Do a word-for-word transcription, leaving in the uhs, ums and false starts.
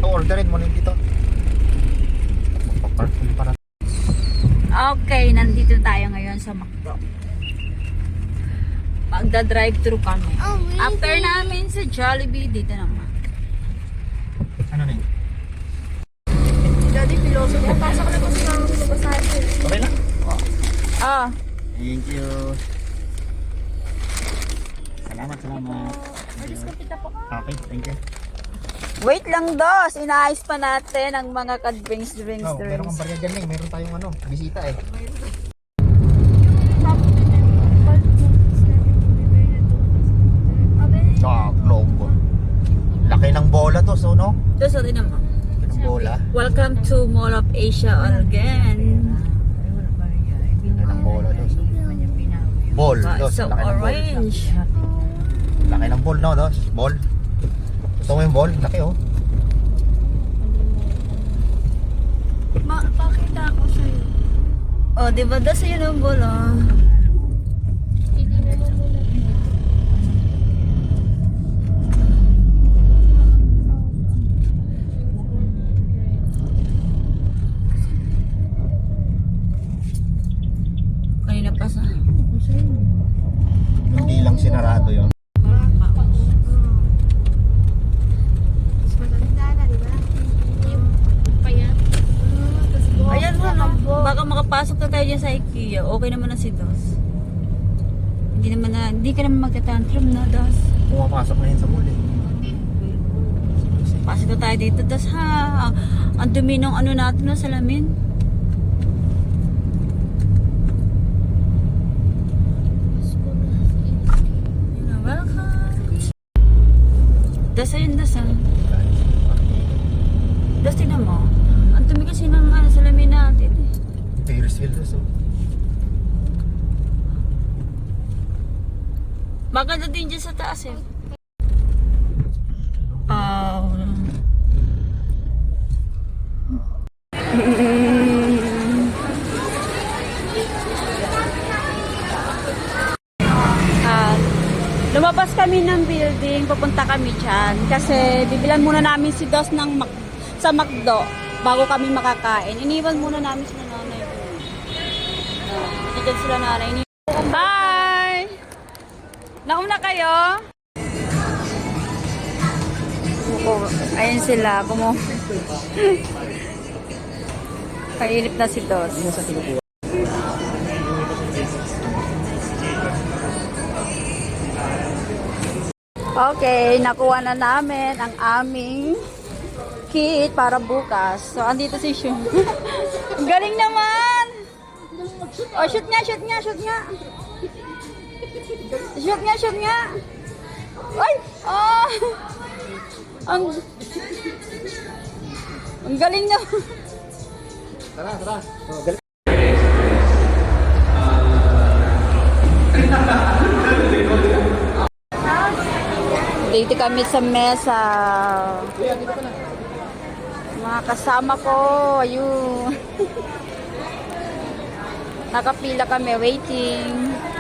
Orderin mo na yung dito. Magpapark mo para. Okay, nandito tayo ngayon sa McDo. Magda-drive-thru kami. Oh, really? After namin sa Jollibee, dito naman. Ano na yun? Daddy, piloso niya. Pasok na kasi namin sa basahe. Okay lang. Ah, Thank you. Salamat, salamat. Alis ka pita po. Okay, thank you. wait lang dos. Inaayos pa natin ang mga ka-drinks, drinks, Oh, meron drinks. kang barya dyan eh. Meron tayong ano, bisita eh. Ah, globe. Laki ng bola to, so no? Dos, sorry naman. Laki ng bola. Welcome to Mall of Asia again. Laki ng bola to. So. Ball, Wow, dos. so Laki ng ball. orange. Laki ng ball, no, dos? Ball. Gusto mo yung ball? Laki, oh. Ma, pakita ako sa'yo. Oh, di ba dos yun ang bola? Hindi na mo muna. Kanina pa sa... Hindi lang sinarado yun. Mas maganda na, di ba? Yung payat. Ayan mo, no? Baka makapasok na tayo dyan sa IKEA. Okay naman na si Dos. Hindi naman na, hindi ka naman magta-tantrum na, Dos. Pumapasok na yun sa mall eh. Pasok na tayo dito, Dos, ha? Ang dumi ng ano natin na salamin. You're welcome. Dos, ayun, Dos, ha? Dos, tingnan mo. Ang dumi kasi ng ano, salamin natin, eh. Ferris wheel to, so. Maganda din dyan sa taas eh. Oh. Ah, lumabas kami ng building, pupunta kami dyan. Kasi bibilan muna namin si Dos ng Mac sa McDo bago kami makakain. Iniwan muna namin sila nanay. Nandiyan sila nanay. Bye! Nauna kayo? Oh, ayun sila. Kumu Kailip na si Dos. Okay, nakuha na namin ang aming kit para bukas. So, andito si Shun. Ang galing naman! Oh, shoot nga, shoot nga, shoot nga. Shoot nga, shoot nga. Ay! Oh! Ang... Ang galing na. Tara, tara. Dito kami sa mesa. Mga kasama ko. Ayun. Nakapila kami, waiting.